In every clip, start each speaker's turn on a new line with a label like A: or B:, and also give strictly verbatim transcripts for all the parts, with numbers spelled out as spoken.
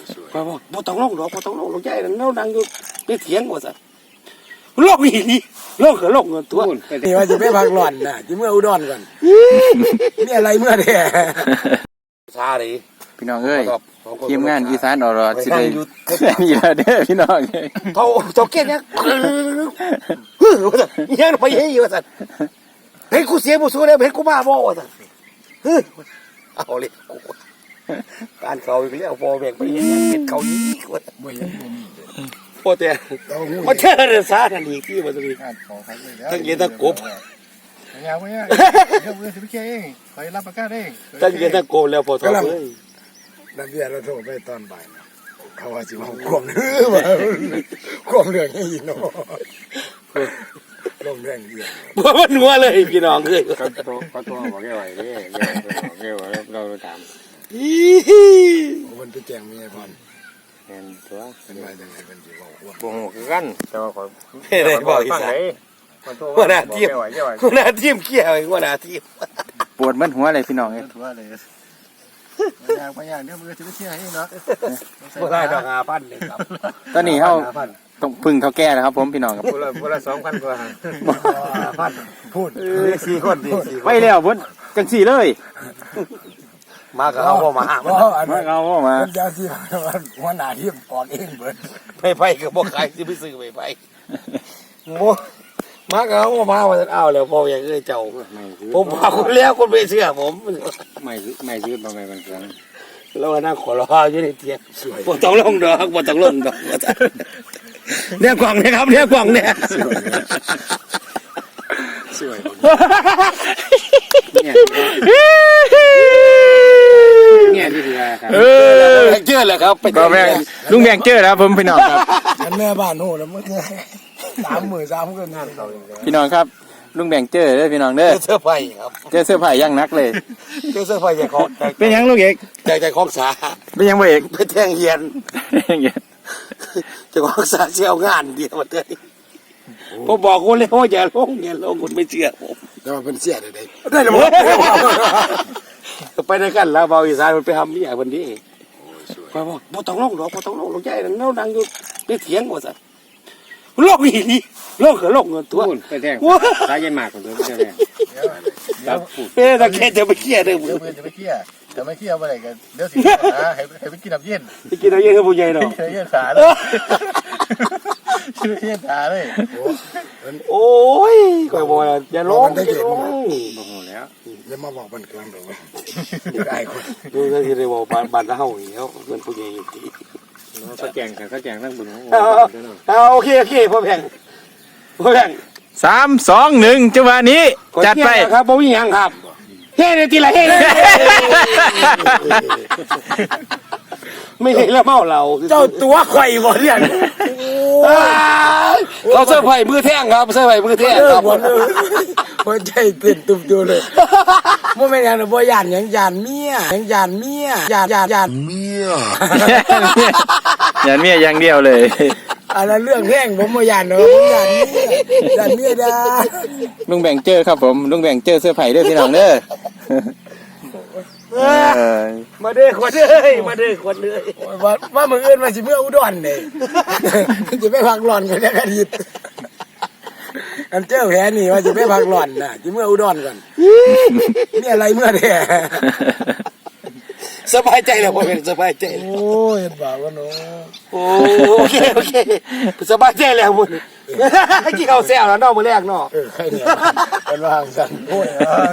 A: ไปบอกบ่ต้องลงดอกบ่ต้องลงลงใจนั่นเรานั่งอยู่ในเถียงว่าซั่นลงอีนี่ลงก็ลงเงินตัว
B: นี่ว่าจะไปพักหล่อนน่ะจะเมื่ออุดรก่อนนี่อะไรเมื่อแท้
A: ซาดิ
C: พี่น้องเอ้ยทีมงานอีสานอรอสิได้นี่ล่ะเด้อพี่น้อง
A: เท่าเท่าเกณฑ์ยังยังไปเฮ้ยว่าซั่นเห็นกูเสียบ่สู้แล้วเห็นกูมาบ่ว่าซั่นเอาเลยกูการเขาอีกแล้วพอแบ่งไปเฮ็ดเป็ดเขานี้ว่าบ่ยังบ่มีพอแต่มาเชื่อเรื่องซาทันอีกที่ว่าซั่นทั้งเย็นทั้งกบ
D: ยาวๆเดี๋ยวมือสิไปเคลียร์เองคอยรับประกันเอง
A: ทั้งเย็นทั้งกบแล้วพอทอเอ้ย
B: นักเรียนเราโทรไปตอนบ่ายเขาว่าสิมาควมเรื่องว่าควมเรื่องให้ยินเนาะลมแรงเยอะ
A: บ่มันหัวเลยพี่น้องเอ้ย
C: เขาโทรเขาโทรบอกแกไว้เด้แกบอกแกว่าเราถาม
A: อี
B: มันไปแจ้งเมียพ่อน
C: แม่นตัว
B: เป็นว่าจังได๋เพิ่นสิบอกว่า
C: บ่ฮู้คือกันแต่ว่าขอ
A: ไม่ได้บอกอีสานหัวหน้าทีมหัวหน้าทีมเกี่ยวหัวหน้าทีม
C: ปวดมันหัวเลยพี่น้องเอ้ย
D: หัวเลยยางไปยางเดี๋ยวมือสิไปเคลียร์เองเนาะ
A: บ่ได้ดอกห้าพันนี่ครับ
C: ตอนนี้เฮาต้องพึ่งเฒ่าแก่แล้วครับผมพี่น้องครับ
D: ผู้ละผู้ละ สองพัน กว่า
A: ห้าพัน
B: พูด
A: สี่คนดิ
C: ไปแล้วเพิ่นจังซี่เลย
A: มาก็เอาบ่มา
C: มาเอาบ่มา
B: เจ้าสิหัวหน้าทีมออกเองเบิด
A: ไปไปก็บ่ขายสิไปซื้อไปไปบ่มาก็เอาบ่มาว่าซั่นเอาแล้วพออย่างเอ้ยเจ้าผมพาคุณแล้วคุณไม่เชื่อผม
C: ไม่ไม่ยืดบ่แม่นเพิ่น
A: แล้วนั่งขอรออยู่ในเตียงบ่ต้องลงดอกบ่ต้องลงดอกเนี่ยกล่องเนี่ยครับเนี่ยกล่องเนี่ย
C: สวยเนี่ยเนี่ยที่ว่าครับ
A: เออเจอแล้วครับ
C: ก็แม่ลุงแบงเจอแล้วผมพี่น้องครับ
B: แม่บ้านโหแล้วมันสามมื้อสามคืนนั่น
C: พี่น้องครับลุงแบงเจอเด้อพี่น้องเด้อ
A: เสื้อผ้าครับ
C: เจอเสื้อผ้ายังนักเลย
A: เจอเสื้อผ้าอย่างของ
C: เป็นยังลูกเอก
A: ใจใจของสา
C: เป็นยังบ่เอก
A: เป็นแทงเฮียนจะของสาเชี่ยวงานเดียวมาเลยผมบอกคุณเลยว่าอย่าลงอย่าลงคุณไม่เชื่อผม
B: แต่ว่าเป็นเสียได้ได้แล้ว
A: ไปด้วยกันแล้วเบาอีสานมันไปทำนี่วันนี้ไปบอกบ่ต้องลงดอกบ่ต้องลงลงใจนั่นเรานั่งอยู่ในเถียงว่าซั่นลงอีนี่ลงก็ลงเงินตัว
C: ไปแทงสายเย็นมากกว่าเดิมเจ้าแม่
A: ครับเอ๊ะตะแค่จะไปเคลียร์เด้อ
D: เดี๋ยวจะไปเคลียร์จะไม่เคลียร์บ่ได้กันเดี๋ยวสินะให้ให้ไปกินน้ำเย็น
A: ไปกินน้ำเย็นกับผู้ใหญ่เนาะ
D: กินน้ำเย็นขาเลยกินน้ำเย็นขาเลย
A: โอ้ยก็บอกอย่าลงอย่าลง
C: บ่ฮู้แล้ว
B: อย่ามาบอกบ้านกลางดอกได้คน
A: ดูก็สิได้บอกบ้านบ้านเฮาอีกแล้วเพิ่นผู้ใหญ่อยู่ที่
C: เขาแจงกันเขาแจงทั้งบุญของ
A: เอาโอเคโอเคพ่อแพงพ่อแพง
C: สาม สอง หนึ่งจังหวะนี้จัดไป
A: ครับบ่มีหยังครับเฮ้ทีละเฮ้ไม่เห็นแล้วเมาเรา
B: เจ้าตัวไข่บ่เนี่ย
A: เขาเสื้อไผ่มือแท่งครับเสื้อไผ่มือแท่งครับ
B: หัวใจเต้นตุ่มๆเลยบ่แม่นหยังบ่ย่านหยังย่านเมียหยังย่านเมียย่านย่านย่านเมีย
C: ย่านเมียอย่างเดียวเลย
B: อันนั้นเรื่องแห้งผมบ่ย่านเนาะผมย่านเมียย่านเมียดา
C: ลุงแบ่งเจอครับผมลุงแบ่งเจอเสื้อไผ่เด้อพี่น้องเด้อ
A: มาเด้อขวดเด้อมาเด้อขวดเด้อ
B: ว่าว่ามื้ออื่นว่าสิเมื่ออุดรนี่สิไปพักร้อนกันแล้วอาทิตย์อันเจ้าแผลนี่ว่าสิไปพักร้อนน่ะสิเมื่ออุดรก่อนนี่อะไรเมื่อแท้
A: สบายใจแล้วบ่เป็นสบายใจ
B: โอ้ยบ่าวว่าเนาะ
A: โอ้โอเคโอเคสบายใจแล้วพุ่นกี่ข้าวแซ่บแล้วเนาะมื้อแรกเนาะ
B: เออใครเนี่ยเป็นว่าสั่นโอ้ย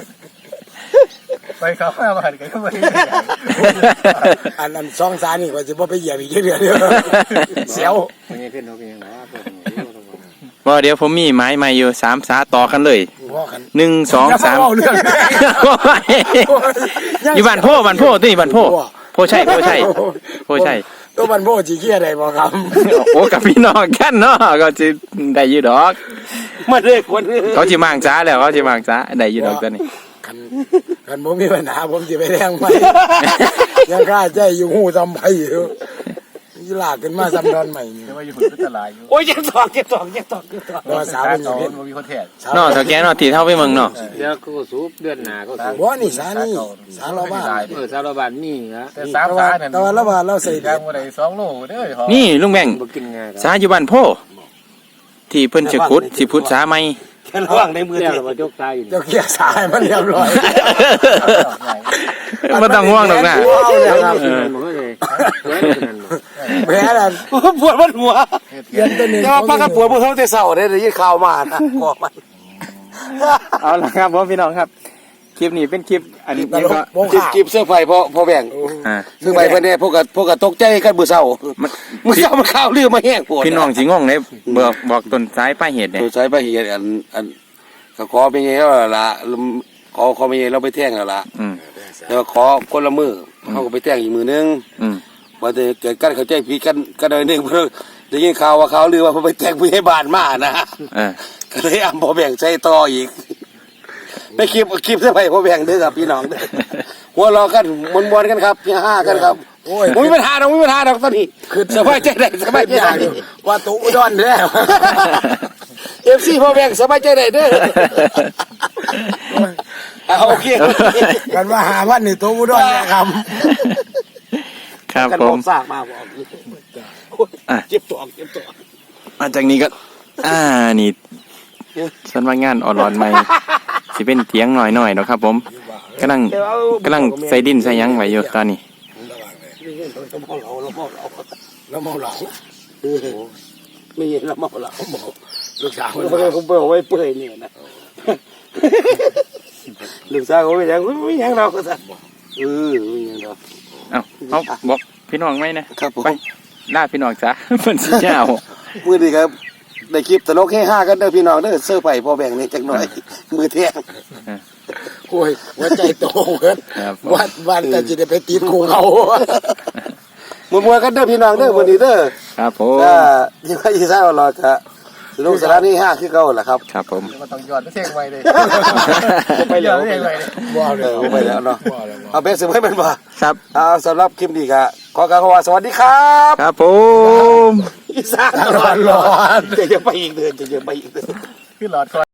D: ไปเขามาบ้านกันก็ไม่
B: อันนั้นสองสานี่ว่าจะบ่ไปเหยียบอีกเดือนเดียวเสียว
C: ไม่ขึ้นเขาเป็นยังไงว่าเดี๋ยวผมมีไม้ใหม่อยู่สามสาต่อกันเลยหนึ่งสองสามอยู่บ้านโพบ้านโพที่บ้านโพโพใช่โพใช่โพใช่
B: ตัวบ้านโพจีเกียได้บ่ครับ
C: โอ้กับพี่น้องกันเนาะก็จะได้ยืดดอก
A: มาเด็กคน
C: เขาจีมังจ้าแล้วเขาจีมังจ้าได้ยืดดอกตัวนี้
B: กันกันผมมีปัญหาผมจะไปแรงไหมยังกล้าใจอยู่หูจำไปอยู่ยีลากขึ้นมาซ้ำดอนใหม่นี่
D: แต่ว่าอยู่หุ่นก็ตลาดอยู่
A: โอ้ยยังตอกยังตอกยังตอกยังตอก
B: รอสาว
D: เป็
B: เป็น นอย่าง
D: เห็
B: นี้
D: นมีคนแทน
C: เนาะเท่าแก่เนาะที่เท่าไปเมืองเนาะ
E: เดี๋ยวเขาก็สูบเดือนหน้าเขาสูบ
B: บ่นี่สานี่สาเราบ้าน
E: เออสารบัญนี่นะ
D: แต่สามสาเนี่ย
B: แต่ว่าเราว่าเราใส่
D: แดงมาได้สองโลเด้อ
C: นี่ลุงแบง
E: บ่กินง่าย
C: สาอยู่บ้านโพที่เพิ่นจะขุดสิพุดสาใหม่
A: แค่ระหว่างในมือ
E: เดี๋ยว
A: เทีย
E: เรามาจกตายอยู่
B: เจ้าเกียร์สายมันเรียบร้อย
C: บ่ต้องห่วงหรอกนะ
B: เอาเลยครับ
E: เออมันก็เลยเฮ้ยนั่น
B: แพ้แล้ว
A: ปวดมันหัว
B: เย็นตัวหนึง
A: แต่ว่าพักกันปวดมือเขาแต่เศร้าได้ได้ยินข่าวมานะบอกมัน
C: เอาละครับผมพี่น้องครับ คลิปนี้เป็นคลิปอันนี้
B: ตลกโม
A: จิบ
B: ฆะ
A: จิบเสื้อไฟพอพอแบ่ง
C: อ่า
A: เสื้อไฟเพื่อนเนี่ยพวกกับพวกกับตกใจกันมือเศร้ามือเศร้ามันข้าวเรือมาแห้งปวด
C: พี่น้องสิงงเลยบอกบอกต้นสายปลายเหตุเนี่ย
A: ตัวใช้ไปเหียอันอันก็ขอเป็นไงแล้วล่ะขอขอเป็นไงเราไปแท่งแล้วล่ะ
C: อืม
A: แล้วขอคนละมือเขาก็ไปแท่งอีกมือนึง
C: อืม
A: ว่าจะเกิดกันเขาใจผิดกันกันหน่อยหนึงเพื่อได้ยินข่าวว่าเขาเรือว่าเขาไปแท่งผู้ใหญ่บ้านมานะ
C: เออ
A: ก็เลยอ่ำพอแบ่งใจต่ออีกไปคลิปคลิปเสื้อไฟพอแบ่งเด้อครับพี่น้องเด้อหัวเราะกันมวนๆกันครับพี่ห้ากันครับ
B: โอ้ย
A: ผมมีปัญหาเราไม่มีปัญหาดอกตอนนี้สบายใจได้สบายใจ
B: อย่าง
A: ได้
B: ว่าตุอุดรแล้ว
A: เอฟซีพอแบ่งสบายใจได้เด้อเอาโอเค
B: กันว่าหาวันนี่ตุอุดรแล้วครับ
C: ครับ
A: กัน
C: ผ
A: บอ
C: ม
A: กซากมาบอกเจ็บตัวเจ็บตัว
C: มาจากนี้ก็ อ่านี่สำนักงานออนไลน์ใหม่สิเป็นเถียงหน่อยหน่อยๆเนาะครับ ผมกำลังกำลังใส่ดินใส่หยังไว้อยู่ตอนนี้
A: เราเมาเหล้าเราเมาเหล้า
B: แล้วเมาเหล้า
A: ไม่เห็นเราเมาเหล้า
B: ลูกสาว
A: เขาเขาเปิดไว้เปื่อยเนี่ยนะลูกสาวเขาไม่ยังไม่ยังเราก็สั่นเออไม่ยังเรา
C: เอ้าเอาบอกพี่น้องไหมนะครับ
A: ผม
C: ไปล่าพี่น้องจ้ะ เพิ่นสิเจ้า
A: มือดีครับได้คลิปตลกให้ห้ากันเด้อพี่น้องเด้อเสื้อไผ่พอแบ่งนี่จักหน่อย มือเที่ยง
B: โอ้ยหัวใจโตเกิน
C: ครับผม
B: วันวันแต่จะได้ไปตีคุงเขา
A: มือมวยกันเด้อพี่น้องเด้อมือดีเด้อ
C: ครับผม
A: ก็ยิ่งว่ายิ่งซ่าอร่อยครับสนุกสนานนี่ห้าคือเก่าแหละครับ
C: ครับผม
D: มันต้องย้อนเท่งไว้เลย
A: ไปแล้ว
D: เท่งไว้เลย
B: บ่เล
A: เอย อไปแล้วเนาะ
B: บ่เลย
A: เอาเป็นสิไม่เป็นบ่
C: ครับ
A: เอาสำหรับคลิปนี้ก็ขอกล่าวคำว่าสวัสดีครับ
C: ครับผม
A: อีสาน
B: ร้อนร้อน
A: จะจะไปอีกเดือนจะจะไปอีกเดือน
D: ขึ้นหลอดคอ